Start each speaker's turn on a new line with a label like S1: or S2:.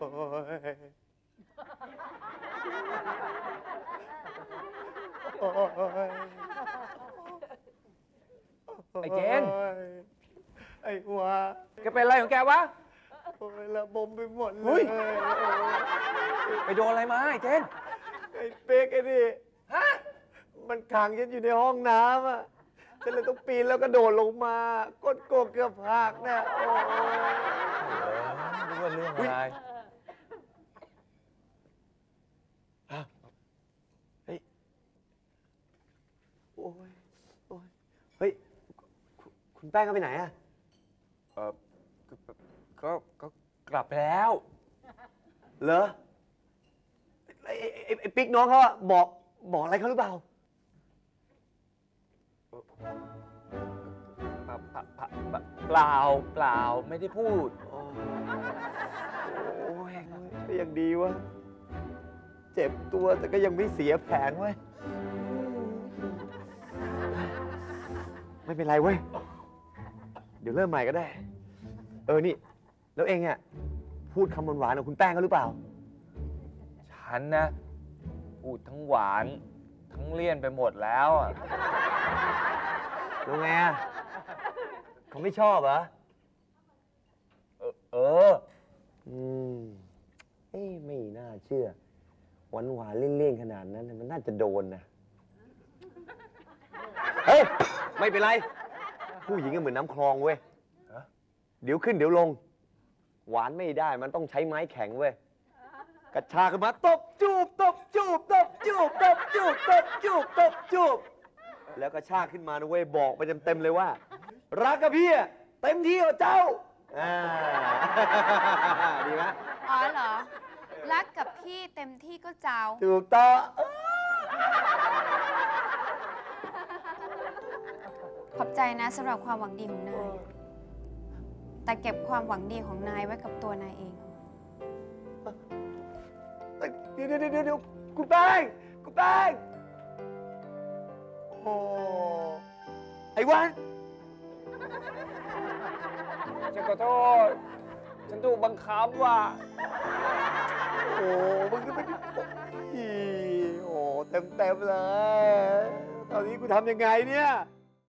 S1: โอ้ย
S2: ไอ้เจน
S1: ไอ้หัว
S2: แกเป็นอะไรของแกวะ
S1: โอ้ยระบมไปหมดเล
S2: เฮ้
S1: ย
S2: ย ไปโดนอะไรมาไอ้เจน
S1: ไอ้เป๊กไอ้นี่
S2: ฮะ
S1: มันขังฉันอยู่ในห้องน้ำอ่ะฉันเลยต้องปีนแล้วก็โดดลงมาก้นโกกเกือบหักเนี่ยโอ้ย
S2: นึกว่าเรื่องอะไร
S1: เฮ้ยโอ้ยโอ้ยเฮ้ยคุณแป้งก็ไปไหนอ่ะ
S2: ก็กลับไปแล้ว
S1: เหรอไอ้ปิ๊กน้องเขาอะบอกอะไรเขาหรือเปล่า
S2: เปล่าไม่ได้พูด
S1: โอ้ยก็ยังดีวะเจ็บตัวแต่ก็ยังไม่เสียแผนเว้ยไม่เป็นไรเว้ยเดี๋ยวเริ่มใหม่ก็ได้ นี่แล้วเองอะพูดคำหวานๆกับคุณแป้งเขาหรือเปล่า
S2: ฉันนะ พูดทั้งหวานทั้งเลี่ยนไปหมดแล้วอ่ะ
S1: แล้วไงอะเขาไม่ชอบเหรอ
S2: เออ
S1: ไม่น่าเชื่อหวานหวานเลี่ยนๆขนาดนั้นมันน่าจะโดนนะเฮ้ยไม่เป็นไร ผู้หญิงก็เหมือนน้ำคลองเว้ย
S2: ฮะ
S1: เดี๋ยวขึ้นเดี๋ยวลง หวานไม่ได้มันต้องใช้ไม้แข็งเว้ยกระชากขึ้นมาตบจูบตบจูบตบจูบตบจูบตบจูบตบจูบแล้วกระชากขึ้นมานะเว้ยบอกไปเต็มๆเลยว่า รักกับพี่อะเต็มที่กับเจ้าดีไหม
S3: อ๋อเหรอ รักกับพี่เต็มที่ก็เจ้า
S1: ถูกต้อง
S3: ขอบใจนะสำหรับความหวังดีของนาย แต่เก็บความหวังดีของนายไว้กับตัวนายเอง
S1: เดี๋ยวคุณแป้งคุณแป้งโอ้ไอ้วัน
S2: ฉันขอโทษ ฉันถูกบังคับว่ะ
S1: โอ้มึงก็ไม่ได้โอ้เต็มเลย ตอนนี้กูทำยังไงเนี่ย